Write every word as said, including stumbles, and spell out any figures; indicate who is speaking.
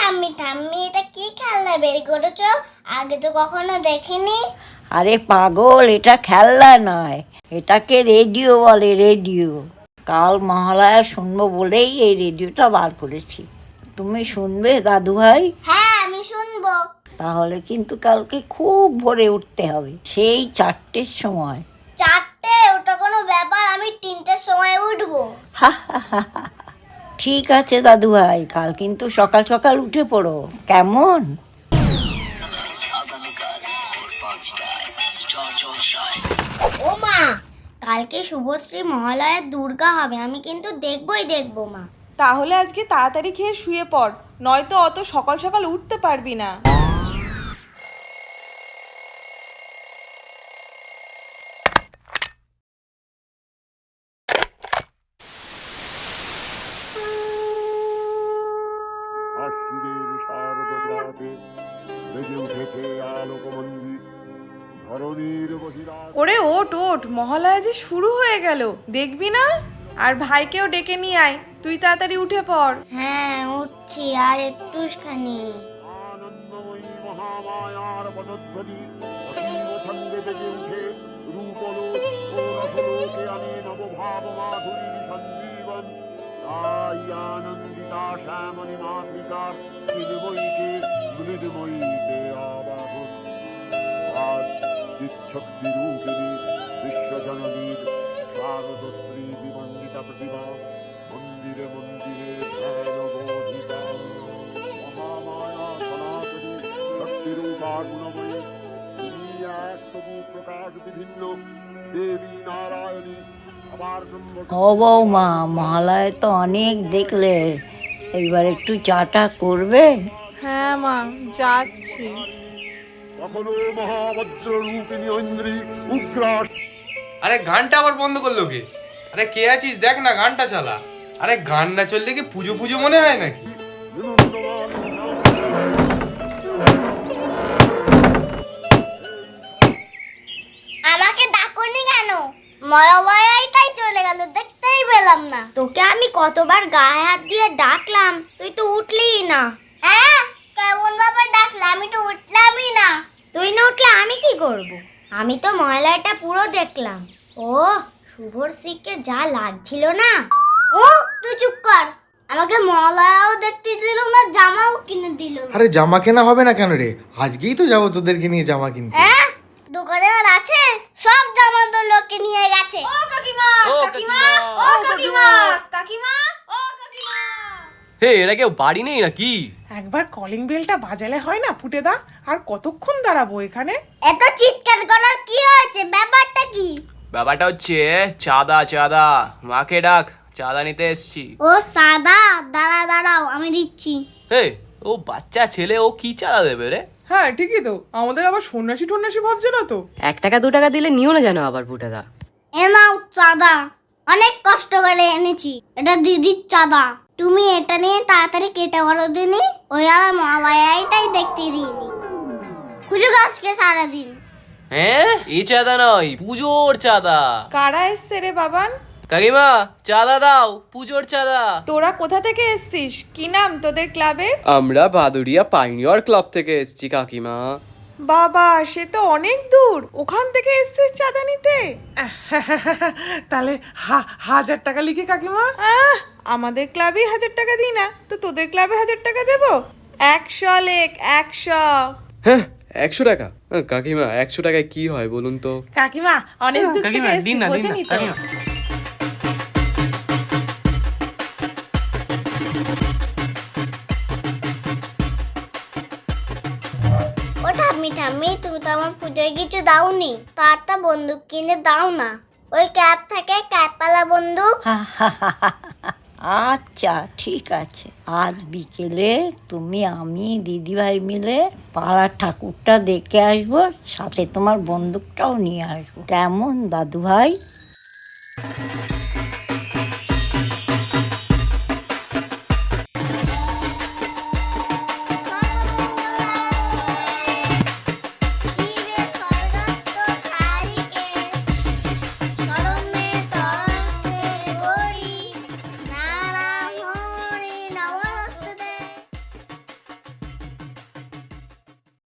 Speaker 1: ঠাম্মি ঠাম্মি এটা কি খেলনা বের করেছো? আগে তো কখনো দেখিনি।
Speaker 2: আরে পাগল, এটা খেলনা নয়, এটাকে রেডিও বলে, রেডিও। কাল মহালয়া শুনবো বলেই এই রেডিওটা বার করেছি। তুমি শুনবে দাদু ভাই?
Speaker 1: হ্যাঁ আমি শুনবো।
Speaker 2: তাহলে কিন্তু কালকে খুব ভোরে উঠতে হবে, সেই চারটের সময়।
Speaker 1: চারটে? ওটা কোনো ব্যাপার, আমি তিনটের সময় উঠবো।
Speaker 2: ঠিক আছে দাদু ভাই, কাল কিন্তু সকাল সকাল উঠে পড়ো, কেমন?
Speaker 1: ও মা, কালকে শুভশ্রী মহালয়ার দুর্গা হবে, আমি কিন্তু দেখবই দেখবো মা।
Speaker 3: তাহলে আজকে তাড়াতাড়ি খেয়ে শুয়ে পড়, নয়তো অত সকাল সকাল উঠতে পারবি না।
Speaker 4: আশ্বিনের শারদপ্রাতে বেজে উঠেছে আলোকমন্দির, ধরণীর বহিরাগ।
Speaker 3: ওরে ওঠ ওঠ, মহালয়া যে শুরু হয়ে গেল, দেখবি না? আর ভাইকেও ডেকে নিয়ে আয়, তুই তাড়াতাড়ি উঠে পড়।
Speaker 1: হ্যাঁ উঠছি, আর একটুখানি।
Speaker 4: আনন্দময়ী মহামায়ার পদধ্বনি অসীম ছন্দে বেজে উঠে রূপলোক ও রসলোকে আমি নবভাব মাধুরী সঞ্জীবন। তাই আনন্দিতা শ্যামণী মাতৃকার চিন্ময়ীকে মৃদুময়ীতে আবাহন। আজ বিচ্ছক্তি রূপিণী বিশ্বজননীর শারদশ্রী বিমণ্ডিতা প্রতিমা মন্দিরে মন্দিরে ধ্যান বোধিতা। মহামায়া সনাতনী শক্তিরূপা গুণময়ী, তিনি এক তবু প্রকাশ বিভিন্ন দেবী নারায়ণী। আবার
Speaker 2: ও বৌমা, মহালয় তো অনেক দেখলে, এইবার একটু চাটা করবে?
Speaker 3: হ্যাঁ মা, যাচ্ছি।
Speaker 4: কখনো মহাবজ্র রূপিণী ঐন্দ্রী উগ্রা।
Speaker 5: আরে গানটা আবার বন্ধ করলো কে? আরে কে আছিস দেখ না, গানটা চালা। আরে গান না চললে কি পুজো পুজো মনে হয় নাকি?
Speaker 1: আমাকে ডাকুনি কেন? মহালয়াটাই চলে গেল, দেখতেই পেলাম না। তোকে আমি কতবার গায়ে হাত দিয়ে ডাকলাম, তুই তো উঠলিই না। হ্যাঁ, কেমন ভাবে ডাকলাম? আমি তো উঠলামই না। তুই না উঠলে আমি কি করব? আমি তো মহালয়াটা পুরো দেখলাম। ও শুভশ্রীকে যা লাগছিল না। ও তুই চুপ কর, আমাকে মহালয়াও দেখতে দিল না, জামাও কিনে দিল না।
Speaker 6: আরে জামা কেনা হবে না কেন রে? আজকেই তো যাবো তোদেরকে নিয়ে জামা কিনতে।
Speaker 1: হ্যাঁ, দোকানে আর আছে, সব জামা তো লোকে নিয়ে গেছে। ও কাকিমা, কাকিমা, ও কাকিমা, কাকিমা, ও কাকিমা।
Speaker 5: হে, এরা কেউ বাড়ি নেই নাকি?
Speaker 7: একবার কলিং বেলটা বাজালে হয় না ফুটেদা? আর কতক্ষণ দাঁড়াবো এখানে?
Speaker 1: এত চিৎকার করার কি হয়েছে? ব্যাপারটা কি?
Speaker 5: ব্যাপারটা হচ্ছে চাঁদা, চাঁদা। মাকে ডাক, চাঁদা নিতে এসছি।
Speaker 1: ও সাদা, দাঁড়া দাঁড়াও আমি দিচ্ছি।
Speaker 5: হে, ও বাচ্চা ছেলে, ও কি চাঁদা দেবে রে?
Speaker 7: হ্যাঁ ঠিকই তো, আমাদের আবার সন্ন্যাসী টন্যাসী ভাবছে না তো?
Speaker 8: এক টাকা দু টাকা দিলে নিও না জানো আবার ফুটাদা।
Speaker 1: এ নাও চাঁদা, অনেক কষ্ট করে এনেছি, এটা দিদির চাঁদা। তুমি এটা নিয়ে তাড়াতাড়ি কেটে বড় দিনি, ওই আমার মহালয়াটাই দেখতে দিইনি। খুঁজো গাছকে সারাদিন।
Speaker 5: হ্যাঁ, এই চাঁদা নয়, পুজোর চাঁদা।
Speaker 3: কারা এসছে রে বাবান?
Speaker 5: কাকিমা, চাঁদা দাও, পুজোর চাঁদা।
Speaker 3: তোরা কোথা থেকে এসছিস? কি নাম তোদের ক্লাবের?
Speaker 9: আমরা ভাদুরিয়া পাইনিয়র ক্লাব থেকে এসেছি কাকিমা।
Speaker 3: বাবা, সে তো অনেক দূর, ওখান থেকে এসছিস চাঁদা নিতে?
Speaker 7: তাহলে হা- হাজার টাকা লিখে কাকিমা।
Speaker 3: আহ, আমাদের ক্লাবে হাজার টাকা দিই না, তো তোদের ক্লাবে হাজার টাকা দেবো? একশো লেখ, একশো।
Speaker 9: হ্যাঁ, একশো টাকা? হ্যাঁ, কাকিমা একশো টাকায় কি হয় বলুন তো?
Speaker 7: কাকিমা অনেক দূর থেকে এসছি, বোঝেনি তো?
Speaker 1: ও ঠাম্মি ঠাম্মি, তুমি তো আমার পুজোয় কিছু দাওনি, তো একটা বন্দুক কিনে দাও না। ওই ক্যাপ থাকে, ক্যাপওয়ালা বন্দুক।
Speaker 2: আচ্ছা ঠিক আছে, আজ বিকেলে তুমি আমি দিদিভাই মিলে পাড়ার ঠাকুরটা দেখে আসবো, সাথে তোমার বন্দুকটাও নিয়ে আসবো, কেমন দাদু ভাই?